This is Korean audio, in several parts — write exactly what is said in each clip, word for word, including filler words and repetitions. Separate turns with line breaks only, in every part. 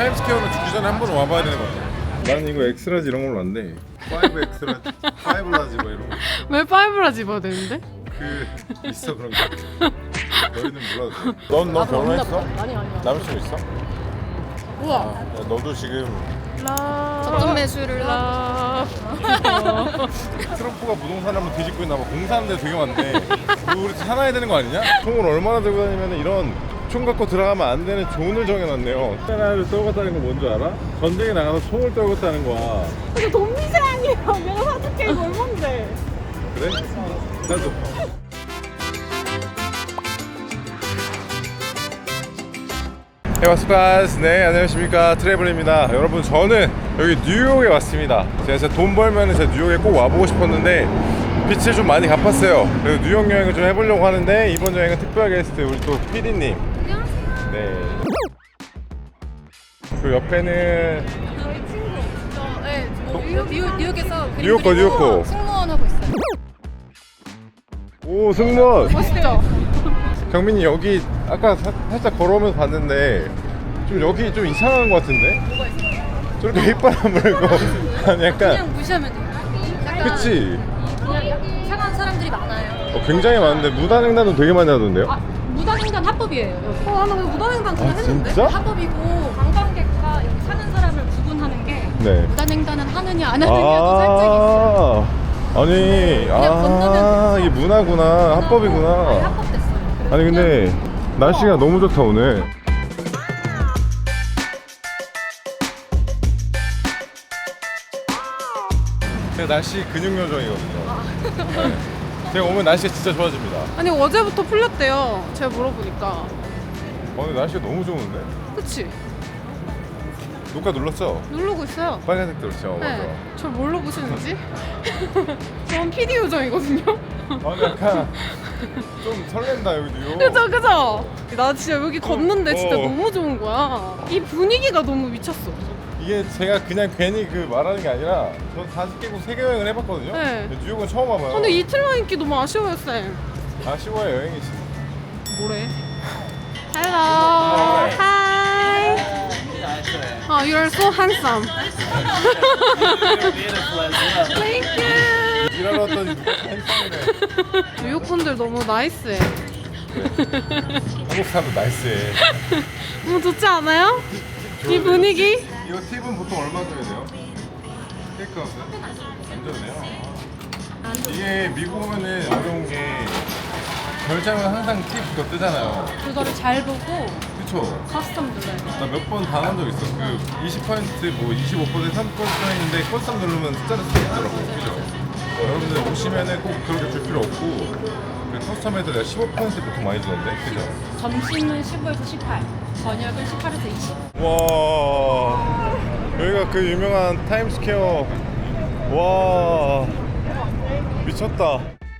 타임스퀘어는 죽기 전에 한 번 와봐야 되는 것 같아. 나는 이거 엑스라지 이런 걸로 안 돼. 파이브 엑스라지, 파이브 라지 뭐 이런 거.
왜 파이브라 집어야 되는데?
그 있어 그런 거. 너희는 몰라도 돼. 넌 너 결혼했어?
아니 아니야.
남자친구 있어?
우와.
야, 너도 지금
라.
접점 매수를
라.
트럼프가 부동산 한번 뒤집고 있나 봐. 공사하는 데 되게 많네. 이거 우리 사놔야 되는 거 아니냐? 총을 얼마나 들고 다니면 이런 총 갖고 들어가면 안 되는 존을 정해놨네요. 하나를 떨궜다는 거 뭔지 알아? 전쟁에 나가서 총을 떨궜다는 거야.
이거 돈미세 아니야. 내가 사줄게 이거 얼만데?
그래? 나도. 네, 와스파스. 네, 안녕하십니까. 트래블입니다. 여러분, 저는 여기 뉴욕에 왔습니다. 제가 진짜 돈 벌면 제가 뉴욕에 꼭 와보고 싶었는데 빚을 좀 많이 갚았어요. 그래서 뉴욕 여행을 좀 해보려고 하는데 이번 여행은 특별 게스트 우리 또 피디님.
안녕하세요.
네. 그 옆에는
저희 친구. 저, 네, 저 뉴욕, 뉴욕, 뉴욕에서 그림
뉴욕 거,
그리고
뉴욕 거.
승무원 하고 있어요.
오, 승무원.
멋있죠?
경민이 여기 아까 사, 살짝 걸어오면서 봤는데 좀 여기 좀 이상한 것 같은데?
뭐가 있어요?
저렇게 휘바람 불고 아니 약간
그냥 무시하면 돼요. 약간
그치?
그냥 착한 사람들이 많아요.
어, 굉장히 많은데 무단횡단도 되게 많이 하던데요?
아, 무단횡단 합법이에요. 여기.
어, 나는 무단횡단 그냥
아,
했는데.
진짜?
합법이고 관광객과 여기 사는 사람을 구분하는 게
네.
무단횡단은 하느냐 안 하느냐도 살짝 있어요.
아 아니
그냥 건너면
아
돼서.
이게 문화구나
아니,
합법이구나.
합법됐어요. 그래서
아니 근데
그냥-
날씨가 너무 좋다 오늘. 제가 날씨 근육 요정이거든요. 네. 제가 오면 날씨가 진짜 좋아집니다.
아니 어제부터 풀렸대요. 제가 물어보니까.
오늘 날씨가 너무 좋은데?
그치?
녹화 눌렀죠?
누르고 있어요.
빨간색 들었죠? 맞아.
네. 절 뭘로 보시는지? 전 피디 요정이거든요.
아 근데 약간 좀 설렌다 여기 뉴욕.
그죠 그죠? 나 진짜 여기 걷는데 진짜
어.
너무 좋은 거야. 이 분위기가 너무 미쳤어.
이게 제가 그냥 괜히 그 말하는 게 아니라 저 다섯 개국 세계 여행을 해봤거든요.
네.
근데 뉴욕은 처음 와봐요.
근데 이틀만 있기 너무 아쉬워요 쌤.
아쉬워요 여행이지.
뭐래? Hello. Hi. Oh, you're so handsome. Thank you.
일하러 왔더니 누가 핸섬이래.
뉴욕 분들 너무 나이스해.
한국 사람도 나이스해.
너무 좋지 않아요? 이 분위기?
이거 팁은 보통 얼마 줘야 돼요? 테이크아웃은? 안 줘도 돼요? 이게 미국 오면은 어려운 게 결제하면 항상 팁 그거 뜨잖아요.
그거를 잘 보고
그쵸?
커스텀 눌러야 돼요.
나 몇 번 당한 적 있어. 그 이십 퍼센트 뭐 이십오 퍼센트 삼십 퍼센트 있는데 커스텀 누르면 숫자를 쓰고 있더라고요. 그죠? 어, 여러분들 오시면은 꼭 그렇게 줄 필요 없고 그 커스텀에도 내가 십오 퍼센트 보통 많이 주던데. 그죠?
점심은 십오에서 십팔, 저녁은 십팔에서 이십.
와 여기가 그 유명한 타임스퀘어. 와 미쳤다.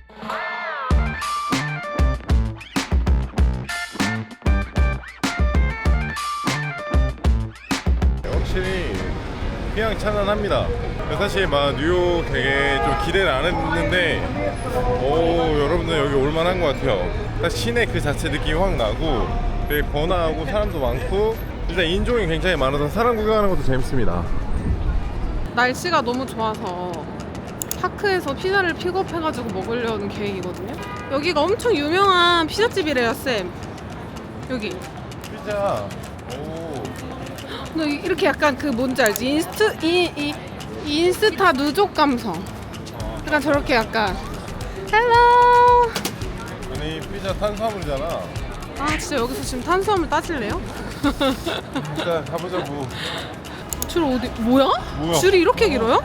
확실히 휘황찬란합니다. 사실 막 뉴욕 되게 좀 기대를 안 했는데 오 여러분들 여기 올만한 것 같아요. 딱 시내 그 자체 느낌이 확 나고 되게 번화하고 사람도 많고 일단 인종이 굉장히 많아서 사람 구경하는 것도 재밌습니다.
날씨가 너무 좋아서 파크에서 피자를 픽업해가지고 먹으려는 계획이거든요. 여기가 엄청 유명한 피자집이래요 쌤. 여기.
피자 오
너 이- 이렇게 약간 그 뭔지 알지? 인스트 이, 이 인스타 누적 감성. 약간 저렇게 약간 헬로.
아니 피자 탄수화물이잖아.
아 진짜 여기서 지금 탄수화물 따질래요?
일단 가보자고.
줄 어디 뭐야?
뭐야?
줄이 이렇게 길어요?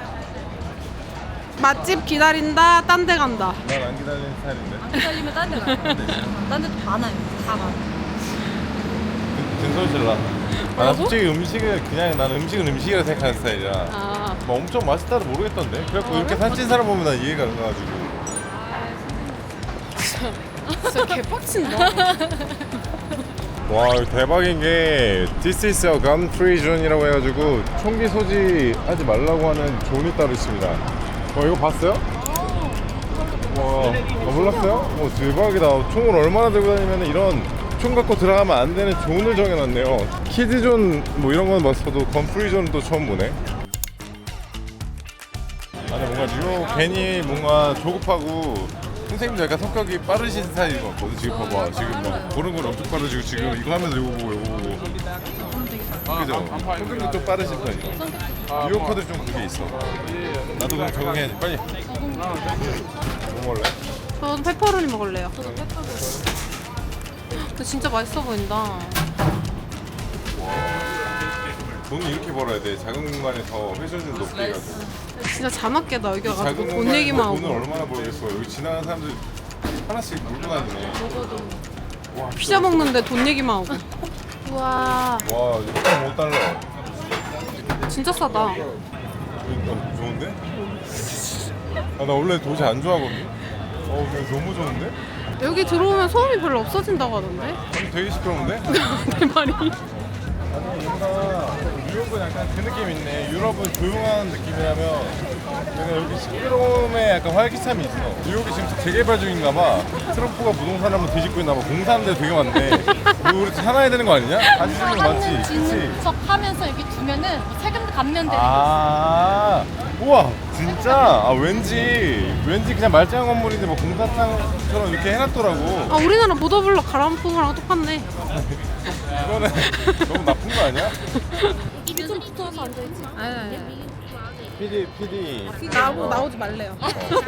맛집 기다린다. 딴 데 간다.
난 안 기다리는 스타일인데.
기다리면 딴 데 가요. 딴 데도 많아요. 다 많아요.
진솔질라. 나
뭐라고?
솔직히 음식을 그냥 난 음식은 음식이라 생각하는 스타일이라.
아
뭐 엄청 맛있다도 모르겠던데. 그래갖고
아,
이렇게
그래?
살찐 사람 보면 난 이해가 안 가가지고.
진짜 개빡친다.
와 이거 대박인 게 This is a gun free zone이라고 해가지고 총기 소지하지 말라고 하는 존이 따로 있습니다. 어 이거 봤어요? 와 어, 몰랐어요? 오 대박이다. 총을 얼마나 들고 다니면 이런 총 갖고 들어가면 안 되는 존을 정해놨네요. 키즈존 뭐 이런 건 봤어도 건프리존은 또 처음 보네. 아니 뭔가 뉴욕 괜히 뭔가 조급하고 선생님도 약간 성격이 빠르신 스타일인 것 같거든. 지금 봐봐, 지금 막 보는 건 엄청 빠르시고 지금 이거 하면서 이거 보고 이거 보고. 그죠? 성격도 좀 빠르신 편이죠. 뉴요커들 좀 그게 있어. 나도 그럼 적응해야지. 빨리. 뭐 먹을래?
저는 페퍼로니 먹을래요. 근데 진짜 맛있어 보인다.
돈을 이렇게 벌어야 돼. 작은 공간에서 회전율 높게 해가지고.
진짜 자나깨다 여기 와가지고
작은
돈
공간에서
얘기만 하고.
돈을 얼마나 벌겠어. 여기 지나가는 사람들 하나씩 물고 다니네. 와,
피자 먹는데 돈 얘기만 하고. 우와,
와, 이거 못 달러.
진짜 싸다.
이거 좋은데? 아, 나 원래 도시 안 좋아하거든. 어, 근데 너무 좋은데?
여기 들어오면 소음이 별로 없어진다고 하던데?
아니, 되게 시끄러운데?
내 말이.
아니 뭔가 뉴욕은 약간 그 느낌 있네. 유럽은 조용한 느낌이라면 내가 여기 시끄러움에 약간 활기참이 있어. 뉴욕이 지금 재개발 중인가 봐. 트럼프가 부동산 한번 뒤집고 있나 봐. 공사하는 데 되게 많네. 이거 우리 살아야 되는 거 아니냐? 같이 쓰는 거 맞지? 그치?
진척하면서 여기 두면은 세금도 감면 되는 거.
아, 우와, 진짜? 아, 왠지, 왠지 그냥 말짱 건물인데 뭐 공사장처럼 이렇게 해놨더라고.
아, 우리나라 보더블럭 갈아엎은 거랑 똑같네.
이거는 너무 나쁜 거 아니야?
입이 좀 붙어서 앉아있지.
아니, 아니, 아니.
피디, 피디.
나오, 나오지 말래요.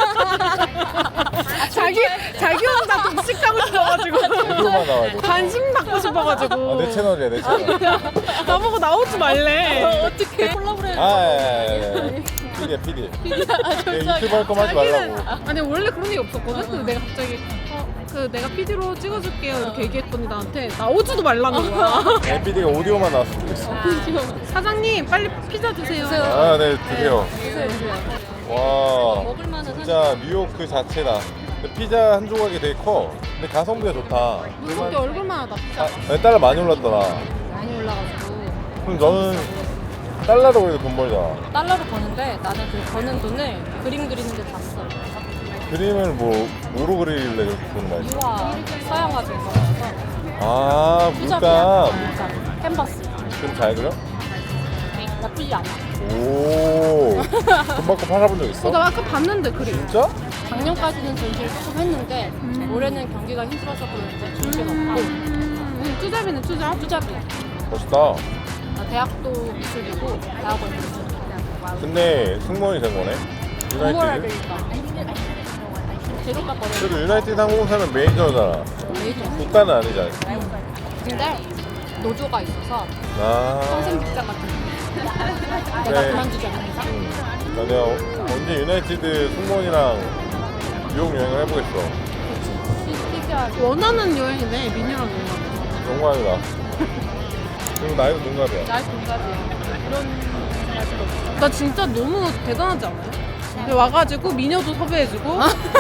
자기, 자기 혼자 독식하고 싶어가지고.
이거만 나와야 돼.
관심 받고 싶어가지고.
아, 내 채널이야, 내 채널.
나보고 나오지 말래.
어떻게 콜라보레?
아, 예, 예. 피디야, 피디. 유튜브 할 거면 하지 말라고.
아니 원래 그런 얘기 없었거든. 근데 내가 갑자기 어, 그 내가 피디로 찍어줄게요 이렇게 얘기했더니 나한테 나오지도 말라는 거야.
네, 피디가 오디오만 나왔으면 좋겠어.
사장님 빨리 피자 주세요.
아, 네, 드세요.
주세요, 주세요.
와,
먹을만은
진짜 뉴욕 그 자체다. 근데 피자 한 조각이 되게 커. 근데 가성비가 좋다.
무섭게 얼굴만 하다 피자.
아, 네, 달러 많이 올랐더라.
많이 올라가지고
그럼 너는 달러로 그래도 돈 벌잖아.
달러로 버는데 나는 그 버는 돈을 그림 그리는데 다 써.
그림을 뭐, 뭐로 그리길래 그렇게 돈 많이 써?
유화 서양화 좀 써서
아,
수작이야.
물감.
물감. 캔버스.
그럼 잘 그려?
나쁘지 않아.
오, 돈 받고 팔아본 적 있어?
어, 나 아까 봤는데 그림.
진짜?
작년까지는 전시를 조금 했는데 올해는 경기가 힘들어서 그런지 전시가 없고
음, 쭈잡이네 쭈잡.
투잡이야.
멋있다.
나 대학도 미술이고 대학원 미술.
근데 승무원이 된 거네?
공부를 해야
유나이티드?
되니까. 제로가
그래도
버려.
유나이티드 항공사는 메이저잖아.
메이저.
국가는 아니잖아.
근데 노조가 있어서
아.
평생 직장 같은 거. 내가
네.
그만두지 않는 이상.
응. 나 내가 언제 유나이티드 승무원이랑 뉴욕 여행을 해보겠어.
피지하지.
원하는 여행이네 민유랑 여행.
동갑이다. 그리고 나이도 동갑이야.
나의 동갑이야. 그런 생각도 없어.
나 진짜 너무 대단하지 않아요? 여기 와가지고 미녀도 섭외해주고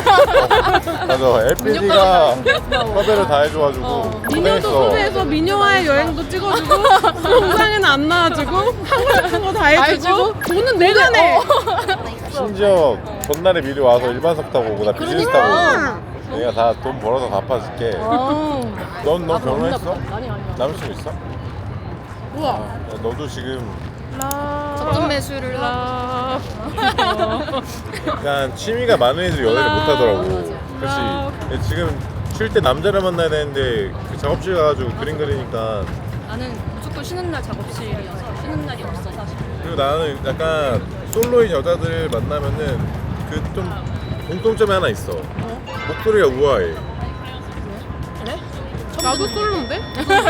맞아. 엘피디가 섭외를 다 해줘가지고
미녀도
고생했어.
섭외해서 미녀와의 여행도 찍어주고 영상에는 안 나와주고 하고 싶은 거 다 해주고 돈은 내가 내.
심지어 전날에 미리 와서 일반석 타고 오고 나 비즈니스 타고
그러니까.
오고 내가 다 돈 벌어서 갚아줄게.
어.
넌, 넌
아,
결혼했어?
아니 아니.
남자친구 있어?
우와.
야, 너도 지금
적정 매수를
라.
약간 취미가 많은 애들이 연애를 못 하더라고. 그렇지. 지금 쉴 때 남자를 만나야 되는데 그 작업실 가가지고 그림 그리니까.
나는 무조건 쉬는 날 작업실이어서 쉬는 날이 없어 사실.
그리고 나는 약간 솔로인 여자들 만나면은 그 좀 공통점이 하나 있어. 목소리가 우아해.
나도 솔로인데?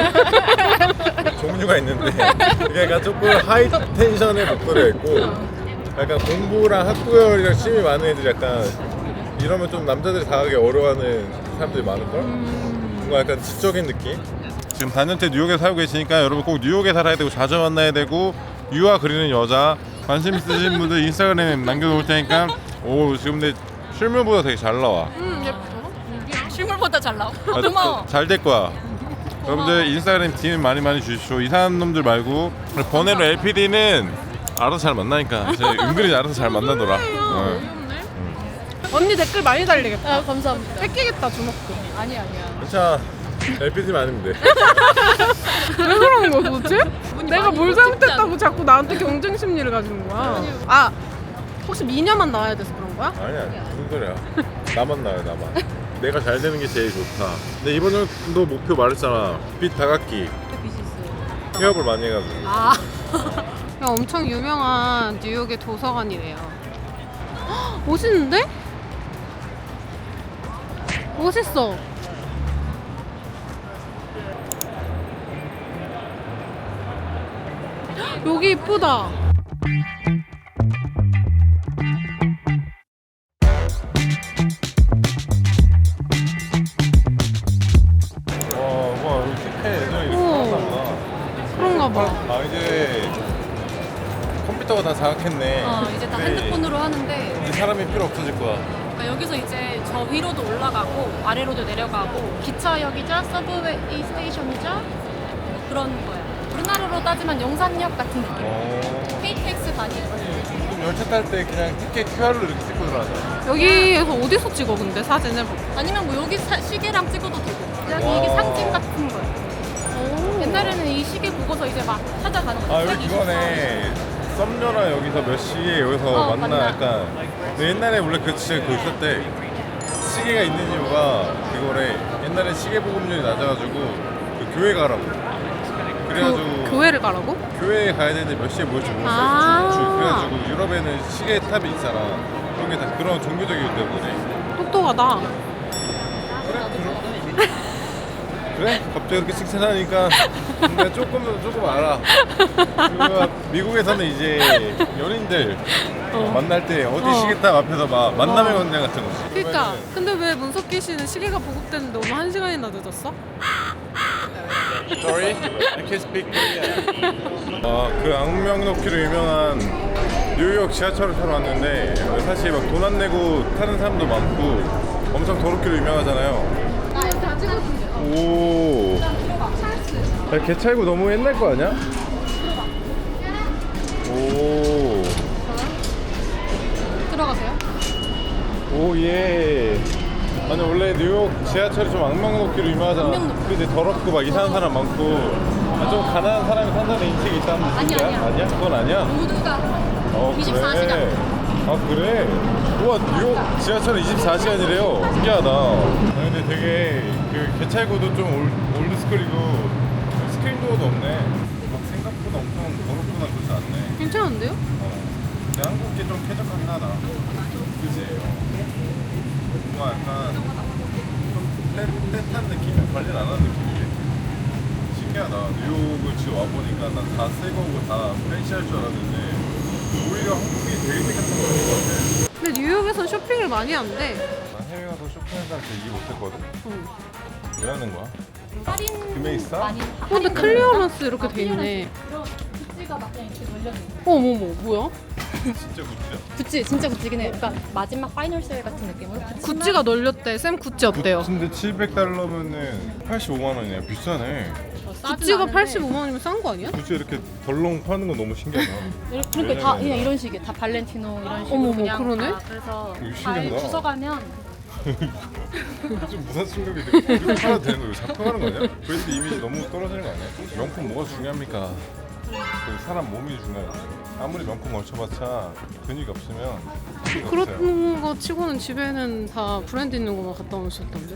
종류가 있는데 이게 약간 조금 하이 텐션의 목소리가 있고 약간 공부랑 학구열이랑 취미 많은 애들이 약간 이러면 좀 남자들이 다가기 어려워하는 사람들이 많을걸? 뭔가 약간 지적인 느낌? 지금 사 년째 뉴욕에 살고 계시니까 여러분 꼭 뉴욕에 살아야 되고 자주 만나야 되고 유화 그리는 여자 관심 있으신 분들 인스타그램에 남겨놓을 테니까 오 지금 내 실물보다 되게 잘 나와.
음 예뻐.
실물보다 잘 나와.
아,
고마워.
잘 될 거야. 여러분들 인스타그램 디엠 많이 많이 주십시오. 이상한 놈들 말고 번외로 엘피디는 알아서 잘 만나니까 제 은근히 알아서 잘 만나더라. 어.
언니 댓글 많이 달리겠다.
아 감사합니다.
뺏기겠다 주먹도.
아니 아니야.
괜찮아. 에피소드 아니면 돼.
왜 그러는 거야 도대체? 내가
많이
뭘
못 찍지
잘못했다고 자꾸 나한테 경쟁 심리를 가지는 거야. 아 혹시 미녀만 나와야 돼서 그런 거야?
아니야 무슨 소리야. 나만 나요 나만. 내가 잘 되는 게 제일 좋다. 근데 이번 연도 목표 말했잖아. 빚 다각기.
빛이 있어요.
휴업을 많이 해가지고.
아.
엄청 유명한 뉴욕의 도서관이래요. 헉, 멋있는데? 멋있어. 헉, 여기 이쁘다.
와, 와 여기 티켓 예전에 이렇게
오.
살았나 보다.
그런가 봐.
아 이제 컴퓨터가 다 장악했네.
어, 이제 다
네.
핸드폰으로 하는데
이제 사람이 필요 없어질 거야.
그러니까 여기서 이제 저 위로도 올라가고 아래로도 내려가고 기차역이자 서브웨이 스테이션이자 뭐 그런 거야. 우리나라로 따지면 용산역 같은 느낌.
어.
케이티엑스 다니고.
좀 열차 탈 때 그냥 티켓 큐알로 이렇게 찍고 들어가자.
여기에서 어디서 찍어 근데 사진을?
아니면 뭐 여기 사- 시계랑 찍어도 되고. 그냥
와.
이게 상징 같은 거야. 옛날에는 이 시계 보고서 이제 막 찾아가는 거야.
아 여기 그거네. 썸녀랑 여기서 몇 시에 여기서
어,
만나
만나.
약간. 근데 옛날에 원래 그 진짜 그거 있었대. 시계가 있는 이유가 그거래. 옛날에 시계 보급률이 낮아가지고 그 교회 가라고. 그래가지고
그, 교회를 가라고?
교회에 가야 되는데 몇 시에 모일지 모르겠어.
아.
주, 주. 그래가지고 유럽에는 시계 탑이 있잖아. 그런 게 다 그런 종교적이기 때문에.
똑똑하다.
그래? 갑자기 그렇게 칭찬하니까 내가 조금 조금 알아. 그리고 미국에서는 이제 연인들
어.
만날 때 어디
어.
시계탑 앞에서 막 만남의
어.
광장 같은 거지.
그러니까 근데 왜 문석기 씨는 시계가 보급되는데 오늘 한 시간이나 늦었어?
Sorry, I can't speak Korean. 아그 악명 높기로 유명한 뉴욕 지하철을 타러 왔는데 사실 막 돈 안 내고 타는 사람도 많고 엄청 더럽기로 유명하잖아요. 오. 야, 개찰구 너무 옛날 거 아니야? 오.
들어가세요?
오, 예. 아니, 원래 뉴욕 지하철이 좀 악명 높기로 유명하잖아.
악명 높-
그게 더럽고 막 이상한 사람 많고. 아, 좀 가난한 사람이 산다는 인식이 있다는
아니야,
뜻이야?
아니야.
아니야? 그건 아니야?
모두가
어,
이십사
그래.
시간.
아, 그래? 우와, 뉴욕 지하철은 이십사 시간이래요. 신기하다. 아, 근데 되게 그 개찰구도 좀 올, 올드스쿨이고 스크린도어도 없네. 막 생각보다 엄청 더럽거나 그렇지 않네.
괜찮은데요?
어. 근데 한국 게 좀 쾌적하긴 하다. 그지? 뭔가 약간 좀 떼, 떼탄 느낌? 관리 안 하는 느낌이래. 신기하다. 뉴욕을 지금 와보니까 난 다 새 거고 다 프렌치할 줄 알았는데 오히려 한국이 되게 깨끗한 거 같은 것 같아.
근데 뉴욕에선 쇼핑을 많이 한대.
난 해외 가서 쇼핑하는 사람 되게 이해 못했거든?
응.
왜 하는 거야?
할인
금액이 싸?
많이.
어, 근데 클리어런스 이렇게 돼 있네.
그런 구찌가 막 그냥 이렇게 걸려 있는.
어머머 뭐야?
진짜 굿즈야?
구찌 진짜 구찌긴 해. 그러니까 마지막 파이널 세일 같은 느낌으로.
구찌가 널렸대. 쌤 구찌 어때요?
근데 칠백 달러면은 팔십오만 원이야. 비싸네.
구찌가 팔십오만 원이면 싼 거 아니야?
굳이 이렇게 덜렁 파는 건 너무 신기하다.
그러니까 다 그냥 이런 식이에요. 다 발렌티노 이런 식으로
어머머,
그냥
그러네?
다 그래서
이거
잘
신기하다.
주워가면
좀 무슨 충격이 되게 이거 팔아도 되는 거 이거 작동하는 거 아니야? 브랜드 이미지 너무 떨어지는 거 아니야? 명품 뭐가 중요합니까? 그 사람 몸이 중요하지. 아무리 명품 걸쳐봤자 근육이 없으면 의미가 없어요.
그런 거 치고는 집에는 다 브랜드 있는 거만 갖다 놓으셨던데.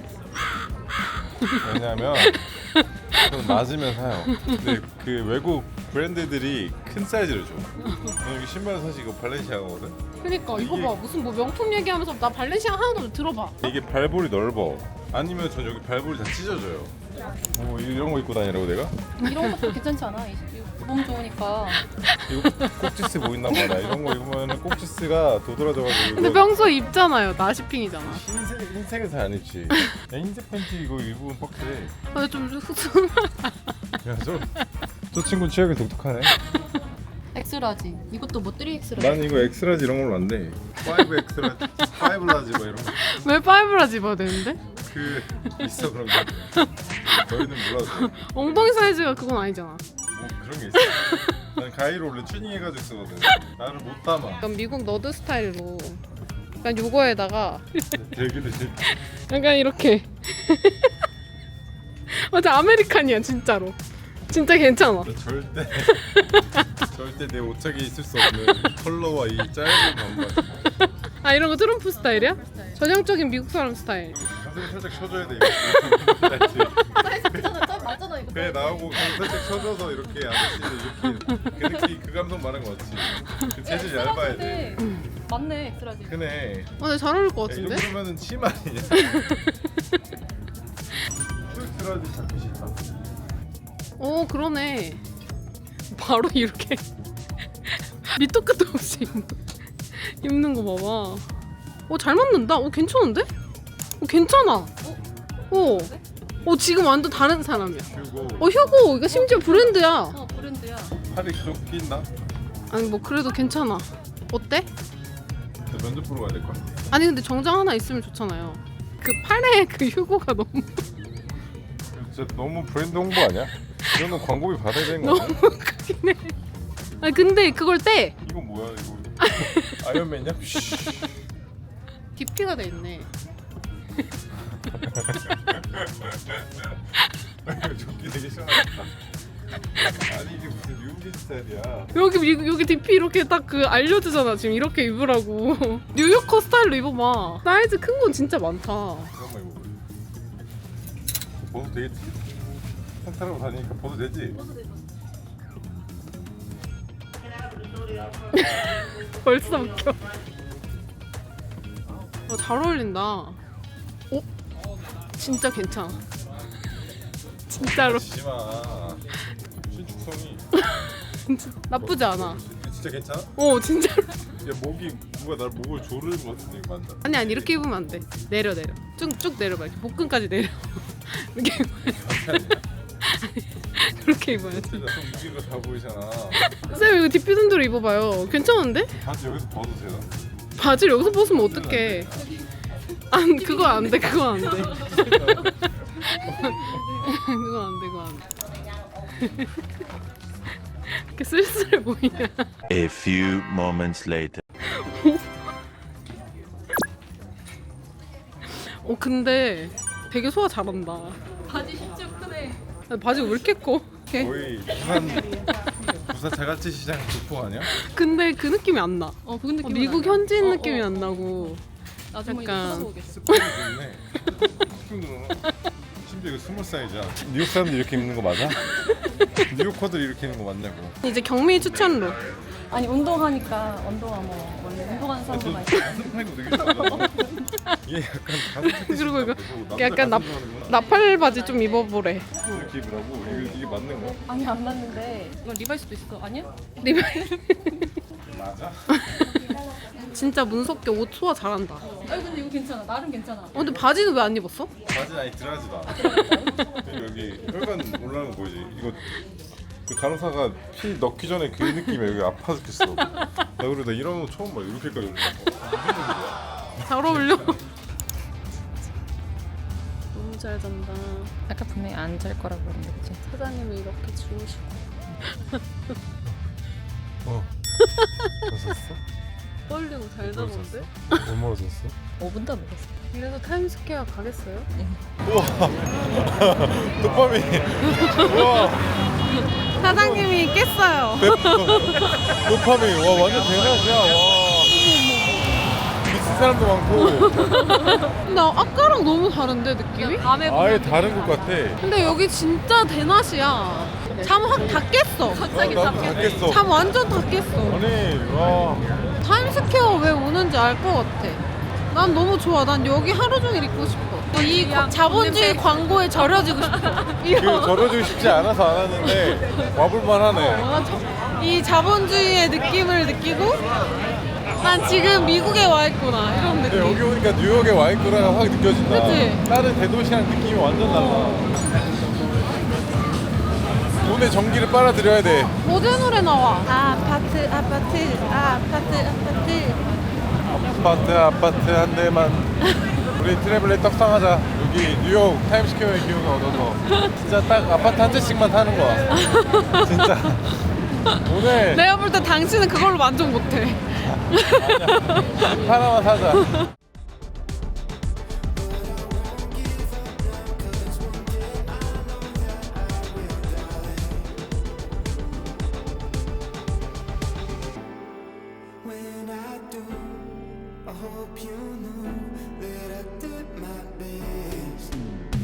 왜냐하면 그건 맞으면 사요. 근데 그 외국 브랜드들이 큰 사이즈를 줘. 저는 여기 신발 사실 이거 발렌시아가거든.
그러니까 이거
이게-
봐 무슨 뭐 명품 얘기하면서 나 발렌시아 하나도 들어봐.
이게 발볼이 넓어. 아니면 전 여기 발볼이 다 찢어져요. 뭐 이런 거 입고 다니라고 내가?
이런 것도 괜찮지 않아? 이- 이- 몸 좋으니까.
이거 꼭지스 보이나 봐. 나 이런 거 입으면 꼭지스가 도드라져가지고.
근데
이거
평소에 입잖아요. 나시핑이잖아.
흰색 흰색은 잘 안 입지. 야, 흰색 팬티 이거 입으면 빡세.
근데 좀 흑sun.
야저 저 친구 취향이 독특하네.
엑스라지. 이것도 뭐 쓰리 엑스라지.
난 이거 엑스라지 이런 걸로 안 돼. 파이브 엑스라지, 파이브 라지 뭐 이런 거.
왜 파이브라 집어야 되는데?
그 있어 그런 거. 저희는 몰라서.
엉덩이 사이즈가 그건 아니잖아.
뭐 그런 게 있어. 난 가위로 원래 튜닝해가지고 쓰거든. 나를 못 담아.
약간 미국 너드 스타일로. 약간 요거에다가
되기도 싫.
약간 이렇게. 맞아, 아메리칸이야 진짜로. 진짜 괜찮아.
절대 절대 내 옷장에 있을 수 없는 컬러와 이 짧은 반바지.
아, 이런 거 트럼프 스타일이야? 전형적인 미국 사람 스타일.
가슴 살짝 쳐줘야 돼 이거. 알지?
사이즈 크잖아. 좀 맞잖아 이거.
그래 나오고 가슴 살짝 쳐줘서 이렇게 아저씨들 이렇게 그 느낌 그 감성 말한 거 맞지? 그 재질 얇아야 돼.
맞네 엑스라지.
그네.
어, 근데 잘 어울릴 것
야, 이
같은데?
정도면은 치마 아니냐? 엑스라지 자켓이 있다.
오, 그러네. 바로 이렇게 밑도 끝도 없이 입는, 입는 거 봐봐. 오, 잘 맞는다. 오, 괜찮은데? 오, 괜찮아. 오, 오, 지금 완전 다른 사람이야.
그리고
어, 휴고. 이거 심지어 브랜드야.
어 브랜드야.
팔이 좀 낀다.
아니, 뭐 그래도 괜찮아. 어때?
나 면접 보러 가야 될 것 같아.
아니, 근데 정장 하나 있으면 좋잖아요. 그 팔에 그 휴고가 너무
진짜 너무 브랜드 홍보 아니야? 이거는 광고비 받아야 되는 거
너무
아니야?
크긴 해. 아니, 근데 그걸 떼.
이건 뭐야 이거? 아이언맨이야?
디피가 돼 있네.
조끼 되게 시원하다. 아니 이게 무슨 뉴욕인 스타일이야?
여기 미- 여기 디피 이렇게 딱 그 알려주잖아. 지금 이렇게 입으라고. 뉴요커 스타일로 입어봐. 사이즈 큰 건 진짜 많다.
잠깐만 이거. 벗어도 되겠지? 탄타라고 다니니까 벗어도 되지?
벌써 웃겨. 어, 잘 어울린다. 오, 진짜 괜찮아. 진짜로
지지마. 신축성이.
나쁘지 않아.
진짜 괜찮아?
어, 진짜로.
야 목이 누가 날 목을 조르는 것 같은데 이거 맞나?
아니 아니 이렇게 입으면 안 돼. 내려 내려. 쭉쭉 내려봐. 이렇게 복근까지 내려. 이렇게 입어야지. 그렇게 입어야지.
진짜 좀 무게가 다 보이잖아.
쌤 이거 디피 순대로 입어봐요. 괜찮은데?
바지 여기서 벗어도 되나?
바지를 여기서 벗으면 어떡해? 안 그거 안 돼. 그거 안 돼. 그거 안 돼. 그거 안 돼. 이렇게 쓸쓸해 보이냐?
A few moments later.
어, 근데 되게 소화 잘한다.
바지 심지어 크네.
아니, 바지가 왜 이렇게 커? 이렇게.
거의 부산 부산 자갈치 시장 교포 아니야?
근데 그 느낌이 안 나.
어 그건
어,
느낌.
미국 현지인 느낌이 안 나고.
나중에
약간-
이거 찾아보겠어.
스푼이 좋네. 스푼 누르나? 심지어 이거 스몰 사이즈야. 뉴욕 사람들 이렇게 입는 거 맞아? 뉴요커들이 이렇게 입는 거 맞냐고.
이제 경미 추천로.
아니 운동하니까 운동화 뭐 원래 운동하는 사람들 많이.
가슴 팔고 되게 좋아하잖아. 얘 약간 가슴 패티
그리고 이거
남자
약간 나,
가슴 좋아하는구나.
나팔 바지 좀 입어보래.
이렇게 입으라고? 이게, 이게 맞는 거야?
아니 안 맞는데 이건 리바이스도 있어. 아니야?
리발.
맞아?
진짜 문석기 옷 소화 잘한다. 어,
아니 근데 이거 괜찮아. 나름 괜찮아.
근데 바지는 왜 안 입었어?
바지는 아니 들어가지도 않아. 여기 혈관 올라오는 거 보이지? 이거 그 간호사가 피 넣기 전에 그 느낌이야. 여기 아파 죽겠어. 나 그래 나 이런 거 처음 봐. 이렇게까지 올라온 거.
잘 어울려. 너무 잘 잔다.
아까 분명히 안 잘 거라고 그랬는데 그치?
사장님이 이렇게 주무시고.
어. 잤었어?
떨리고 잘 자던데?
얼마나 잤어?
오 분도 안 먹었어.
그래서 타임스퀘어 가겠어요?
우와. 도파민. 우와.
사장님이 깼어요.
도파민. 와 완전 대낮이야. 와. 미친 사람도 많고.
나 아까랑 너무 다른데 느낌이?
밤에
아예 다른 것 같아.
근데 여기 진짜 대낮이야. 잠 확 다 깼어.
갑자기
어, 나도
잡혔네.
닫겠어.
잠 완전 다 깼어.
아니 와.
타임스퀘어 왜 오는지 알 것 같아. 난 너무 좋아. 난 여기 하루 종일 있고 싶어. 이
그냥
자본주의
냄새.
광고에 절여지고 싶어.
그
이런.
절여주고 싶지 않아서 안 하는데 와볼만 하네.
어, 저- 이 자본주의의 느낌을 느끼고 난 지금 미국에 와 있구나 이런
근데
느낌.
여기 오니까 뉴욕에 와 있구나 확 느껴진다.
그치?
다른 대도시랑 느낌이 완전 달라. 돈에 전기를 빨아들여야 돼.
어제 노래 나와. 아파트 아파트 아파트 아파트.
아파트 아파트 한 대만. 우리 트래블렛 떡상하자. 여기 뉴욕 타임스퀘어의 기운을 얻어서 진짜 딱 아파트 한 채씩만 타는 거야. 진짜. 오늘
내가 볼 때 당신은 그걸로 만족 못해.
하나만 사자.
do. I hope you know that I did my best.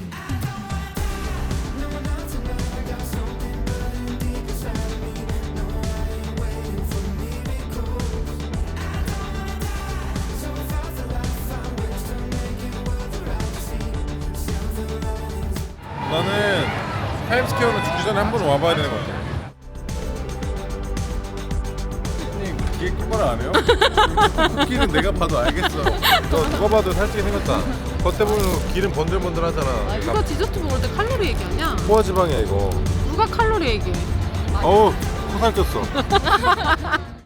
No, not tonight. I got something burning deep inside of me. No, I ain't waiting for miracles. I don't wanna die. So if I feel like I find ways to make it worth the ride to see silver linings.
나는 타임스퀘어는 죽기 전에 한 번 와봐야 되는 것 같아. 선생님 기계 똑바로 안 해요? 길은 내가 봐도 알겠어. 너 누가 봐도 살찌게 생겼다. 겉에 보면 길은 번들번들하잖아.
이거 디저트 먹을 때 칼로리 얘기하냐?
포화지방이야 이거.
누가 칼로리 얘기해?
어우 코살 꼈어.